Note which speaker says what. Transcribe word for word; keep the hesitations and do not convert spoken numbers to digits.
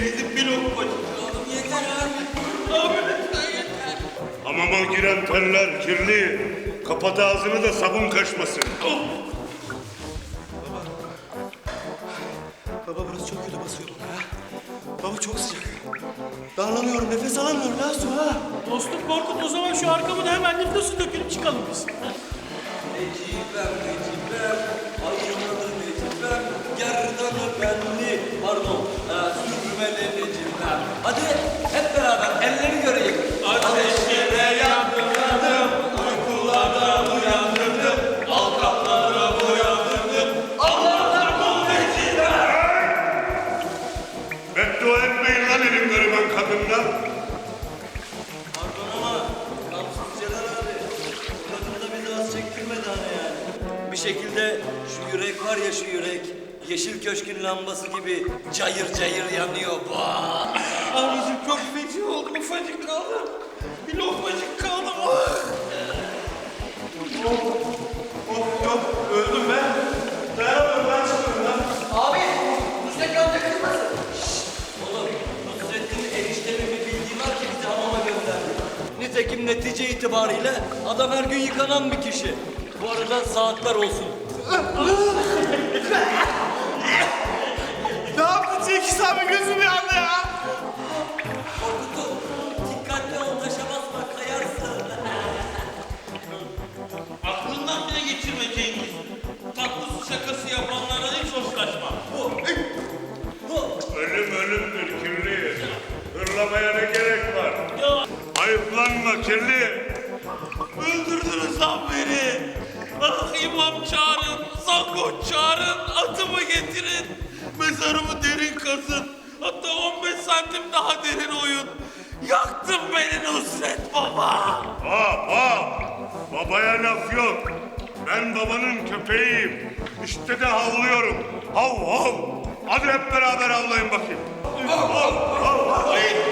Speaker 1: Bizim bir lokmacık.
Speaker 2: Oğlum yeter abi.
Speaker 1: Abi lütfen yeter.
Speaker 3: Hamama giren teller kirli. Kapat ağzını da sabun kaçmasın.
Speaker 1: Oh.
Speaker 4: Baba burası çok kötü basıyor bana ya. Baba çok sıcak. Darlanıyorum, nefes alamıyorum ya su ha.
Speaker 1: Dostum Korkut, o zaman şu arkamı da hemen nefesi dökülüp çıkalım biz.
Speaker 2: Necipem, Necipem, aynalı Necipem, gerdanı benli, pardon, e, sürmeli Necipem. Hadi hep beraber elleri göreyim. Ateşlere yandım, yandım, uykulardan uyandırdım, alkaplara boyandırdım, Allah'tan bul Necipem.
Speaker 3: Beddua etmeyin lan elin gariban kadınla.
Speaker 2: Pardon ama kamsız Celal abi, kadın da bizi az çektirmedi hani yani. Bir şekilde şu yürek var ya şu yürek, Yeşil Köşk'ün lambası gibi cayır cayır yanıyor. Vaa!
Speaker 1: Abicim çok feci oldum, ufacık kaldım. Bir lokmacık kaldım. Ah!
Speaker 4: Of yok, öldüm ben. Dayanamıyorum, ben çıkıyorum lan.
Speaker 2: Abi, Nusret amca kızmasın. Oğlum, Nusret'in eniştemi bir bildiği var ki bizi hamama gönderdi. Nitekim netice itibariyle adam her gün yıkanan bir kişi. Bu arada saatler olsun.
Speaker 4: Ne yaptın Cengiz abi, gözüm yandı ya.
Speaker 2: Korkutum, dikkatli ol, taşa basma, kayarsın.
Speaker 1: Aklından bile geçirme Cengiz. Tatlısı şakası yapanlara hiç hoşlaşma.
Speaker 2: Bu, bu.
Speaker 3: Ölüm ölümdür kirli. Hırlamaya ne gerek var?
Speaker 1: Ya
Speaker 3: Ayıplanma kirli.
Speaker 1: öldürdünüz lan beni. Ah, imam çağırın, zangoç çağırın, atımı getirin. Mezarımı derin kazın. Hatta on beş santim daha derin oyun. Yaktın beni Nusret Baba.
Speaker 3: Hop hop. Babaya laf yok. Ben babanın köpeğiyim. İşte de havlıyorum. Hav hav. Hadi hep beraber havlayın bakayım. Hav hav hav.